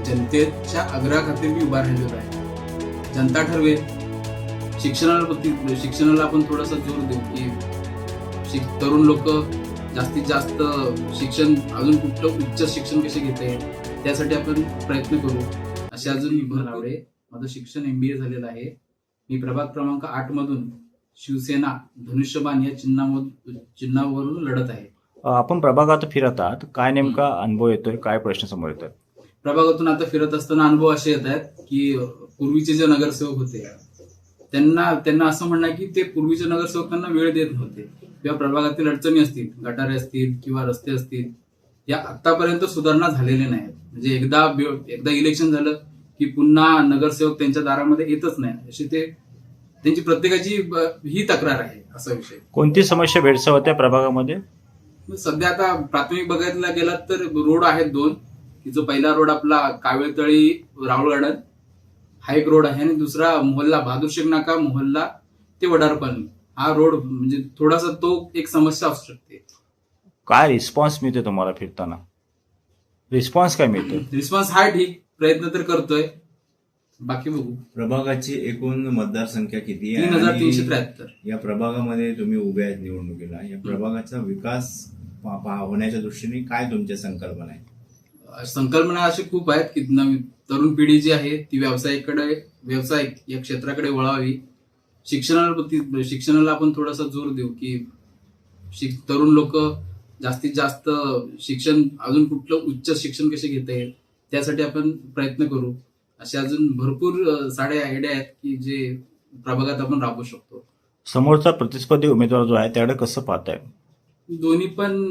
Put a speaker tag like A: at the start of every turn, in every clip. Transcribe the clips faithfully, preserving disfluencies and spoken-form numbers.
A: जनतेच्या आग्रहाखातीर मी उभा राहिलेलो आहे. जनता ठरवेल. शिक्षणाला शिक्षणाला आपण थोडासा जोर देऊ की शिक तरुण लोक जास्तीत जास्त शिक्षण अजून कुठलं उच्च शिक्षण कसे घेता येईल त्यासाठी आपण प्रयत्न करू असे अजून भर आवडे. माझं शिक्षण एमबीए झालेलं आहे. मी प्रभाग क्रमांक आठ मधून शिवसेना धनुष्यबाण या चिन्हामधून चिन्हावरून लढत आहे.
B: आपण प्रभागात फिरत आहात, काय नेमका अनुभव येतोय, काय प्रश्न समोर येतोय?
A: प्रभागातून आता फिरत असताना अनुभव असे येत आहेत की पूर्वीचे जे नगरसेवक होते त्यांना त्यांना असं म्हणणं की ते पूर्वीचे नगरसेवक त्यांना वेळ देत नव्हते किंवा प्रभागातील अडचणी असतील, गटारे असतील किंवा रस्ते असतील, या आतापर्यंत सुधारणा झालेल्या नाहीत. म्हणजे एकदा एकदा इलेक्शन झालं की पुन्हा नगरसेवक त्यांच्या दारामध्ये येतच नाही, अशी ते त्यांची प्रत्येकाची ही तक्रार आहे. असा विषय.
B: कोणती समस्या भेडसावत आहे प्रभागामध्ये?
A: सध्या आता प्राथमिक बघायला गेलात तर रोड आहेत दोन, की जो पहिला रोड आपला कावेळतळी राहुल गार्डन हा एक रोड आहे आणि दुसरा मोहल्ला बहादूर शेख नाका मोहल्ला ते वडारपाल हा रोड, म्हणजे थोडासा तो एक समस्या असू शकते.
B: काय रिस्पॉन्स मिळते तुम्हाला फिरताना? रिस्पॉन्स काय मिळतो?
A: रिस्पॉन्स हा ठीक, प्रयत्न तर करतोय, बाकी बघू.
C: प्रभागाची एकूण मतदारसंख्या किती
A: तीन
C: आहे
A: हजार तीनशे
C: आणि
A: त्र्याहत्तर
C: या प्रभागामध्ये तुम्ही उभे आहेत निवडणुकीला, या प्रभागाचा विकास पा- पा- होण्याच्या दृष्टीने काय तुमच्या संकल्पना आहेत?
A: संकल्पना अशी खूप आहेत की नवीन तरुण पिढी जी आहे ती व्यवसायाकडे व्यवसाय या क्षेत्राकडे वळावी. शिक्षणाला शिक्षणाला आपण थोडासा जोर देऊ की शिक तरुण लोक जास्तीत जास्त शिक्षण अजून कुठलं उच्च शिक्षण कसे घेता येईल त्यासाठी आपण प्रयत्न करू. असे अजून भरपूर सारे आयडिया आहेत की जे प्रभागात आपण राबवू शकतो.
B: समोरचा प्रतिस्पर्धी उमेदवार जो आहे त्याकडे कसं पाहताय?
A: दोन्ही पण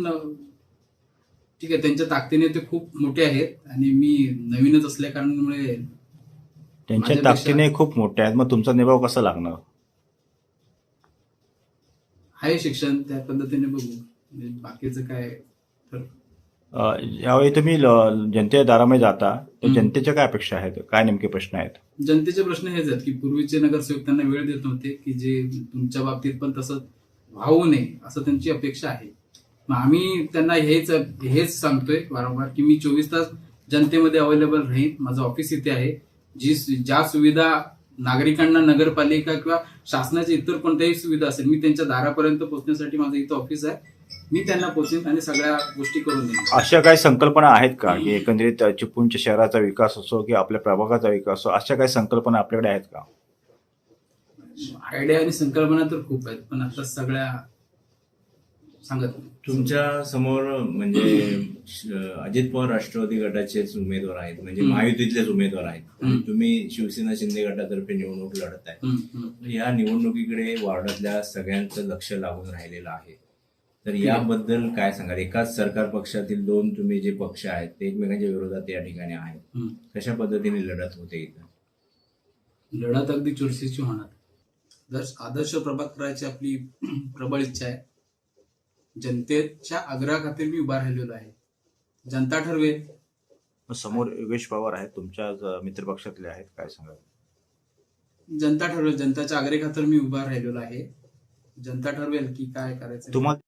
A: ठीक आहे, त्यांच्या ताकदीने ते खूप मोठे आहेत आणि मी नवीनच असल्या कारणामुळे
B: त्यांच्या
A: माझ्यापेक्षा-
B: ताकदीने खूप मोठे आहेत, मग तुमचा निभाव कसा लागणार?
A: आहे शिक्षण त्या पद्धतीने बघू, म्हणजे बाकीचं काय तर
B: अं, यावेळी तुम्ही ल- जनतेच्या दारामध्ये जाता तर
A: हम्म.
B: जनतेच्या काय अपेक्षा आहेत, काय नेमके प्रश्न आहेत?
A: जनतेचे प्रश्न हेच आहेत की पूर्वीचे नगरसेवक त्यांना वेळ देत नव्हते, की जे तुमच्या बाबतीत पण तसं व्हावू नये असं त्यांची अपेक्षा आहे. मग आम्ही त्यांना हेच हेच सांगतोय वारंवार की मी चोवीस तास जनतेमध्ये अवेलेबल राहीन. माझं ऑफिस इथे आहे. जी ज्या सुविधा नागरिकांना नगरपालिका किंवा शासनाची इतर कोणत्याही सुविधा असेल मी त्यांच्या दारापर्यंत पोहोचण्यासाठी माझं इथं ऑफिस आहे. मी त्यांना पोहोचेन आणि सगळ्या गोष्टी करून देईन.
B: अशा काही संकल्पना आहेत का की एकंदरीत चिपळूणच्या शहराचा विकास असो की आपल्या प्रभागाचा विकास असो, अशा काही संकल्पना आपल्याकडे आहेत का?
A: आयडिया आणि संकल्पना तर खूप आहेत, पण आता सगळ्या सांगत नाही.
C: तुमच्या समोर म्हणजे श- अजित पवार राष्ट्रवादी गटाचेच उमेदवार आहेत, म्हणजे
A: हम्म.
C: महायुतीतलेच उमेदवार आहेत.
A: हम्म.
C: तुम्ही शिवसेना शिंदे गटातर्फे निवडणूक लढत आहे.
A: हम्म, हम्म.
C: तर या निवडणुकीकडे वार्डातल्या सगळ्यांचं लक्ष लागून राहिलेलं आहे. तर
A: ठीक आहे.
C: याबद्दल काय सांगाल? एकाच सरकार पक्षातील दोन तुम्ही जे पक्ष आहेत ते एकमेकांच्या विरोधात या ठिकाणी आहेत.
A: हम्म.
C: कशा पद्धतीने लढत होते इथं?
A: लढत अगदी चुरशीची होणार. आदर्श आदर्श प्रभाग करायची आपली प्रबळ इच्छा आहे. जनतेच्या आग्रहाखातीर मी उभा राहिलेलो आहे. जनता ठरवेल.
B: समोर योगेश पवार आहेत, तुमच्या ज- मित्रपक्षातले आहेत, काय सांगाल?
A: जनता ठरवेल. जनताच्या आग्रहाखातीर मी उभा राहिलेलो आहे. जनता ठरवेल की काय करायचं.
B: तुम्हाला